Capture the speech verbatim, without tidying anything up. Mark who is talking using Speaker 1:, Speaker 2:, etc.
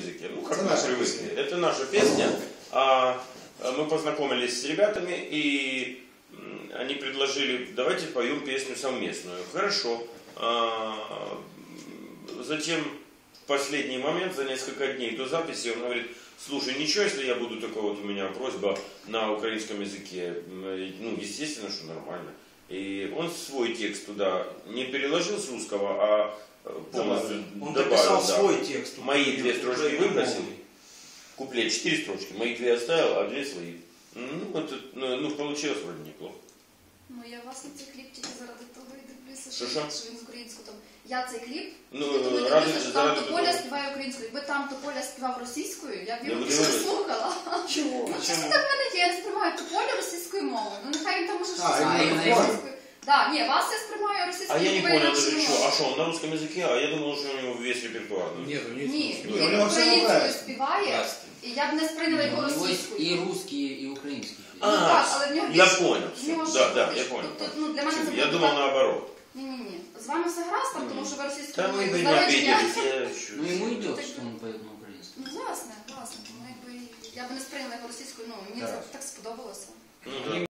Speaker 1: языке. Ну, как мы привыкли. Это наша песня. А мы познакомились с ребятами, и они предложили, давайте поем песню совместную. Хорошо. А затем в последний момент, за несколько дней до записи, он говорит: слушай, ничего, если я буду, такой вот у меня просьба на украинском языке. Ну, естественно, что нормально. И он свой текст туда не переложил с русского, а полностью
Speaker 2: он
Speaker 1: добавил.
Speaker 2: дописал
Speaker 1: да.
Speaker 2: свой текст.
Speaker 1: Мои две строчки выбросил. Куплет четыре строчки, мои две оставил, а две свои. Ну, это, ну, получилось вроде неплохо.
Speaker 3: Ну, я власне цей кліп тільки заради того і дивлюся,
Speaker 1: Що,
Speaker 3: що,
Speaker 1: що?
Speaker 3: що він з українською там. Я цей кліп,
Speaker 1: Ну,
Speaker 3: тільки тому
Speaker 1: ради-
Speaker 3: дивлюся, що
Speaker 1: заради
Speaker 3: там Тополя
Speaker 1: того.
Speaker 3: співає українською. Якби там Тополя співав російською, я б
Speaker 1: Ну,
Speaker 3: його
Speaker 1: ви
Speaker 3: більше
Speaker 1: дивились?
Speaker 3: слухала.
Speaker 2: Чого?
Speaker 3: Ну, чесно, так в мене є, я не сприймаю Тополя російською мовою. Ну, нехай він там може щось
Speaker 2: А,
Speaker 3: співає
Speaker 2: і
Speaker 3: російською. Да, ні, вас я сприймаю
Speaker 1: А
Speaker 3: російською
Speaker 1: я не
Speaker 3: мовою.
Speaker 1: понял
Speaker 3: інакше
Speaker 1: даже,
Speaker 3: не
Speaker 1: что,
Speaker 3: можу.
Speaker 1: а что, он на русском языке, а я думал, что у него весь репертуар.
Speaker 2: Нет, у него
Speaker 3: Ні,
Speaker 2: Ну,
Speaker 3: він
Speaker 2: у него все
Speaker 3: українською
Speaker 2: украинское.
Speaker 3: співає, і я б не сприйняла його
Speaker 4: У него есть
Speaker 3: російською.
Speaker 4: и русские, и украинские.
Speaker 1: А,
Speaker 3: Ну, так, але в нього
Speaker 1: я
Speaker 3: більш-
Speaker 1: понял,
Speaker 3: в нього
Speaker 1: всё.
Speaker 3: ж
Speaker 1: Да, да,
Speaker 3: більш-
Speaker 1: я понял.
Speaker 3: тобто, ну, для мене це
Speaker 1: Я
Speaker 3: буде
Speaker 1: думал
Speaker 3: так.
Speaker 1: наоборот.
Speaker 3: Ні-ні-ні. З вами все гаразд, там, тому що ви російською
Speaker 1: Да мы
Speaker 3: мовою
Speaker 1: бы
Speaker 3: з
Speaker 1: не
Speaker 3: народження.
Speaker 1: обиделись, я...
Speaker 4: Ну ему идет, что он поет на украинском.
Speaker 3: Ну, власне, власне. Тому якби я б не сприйняла його російською, ну, мені це так сподобалося.
Speaker 1: Ну, да.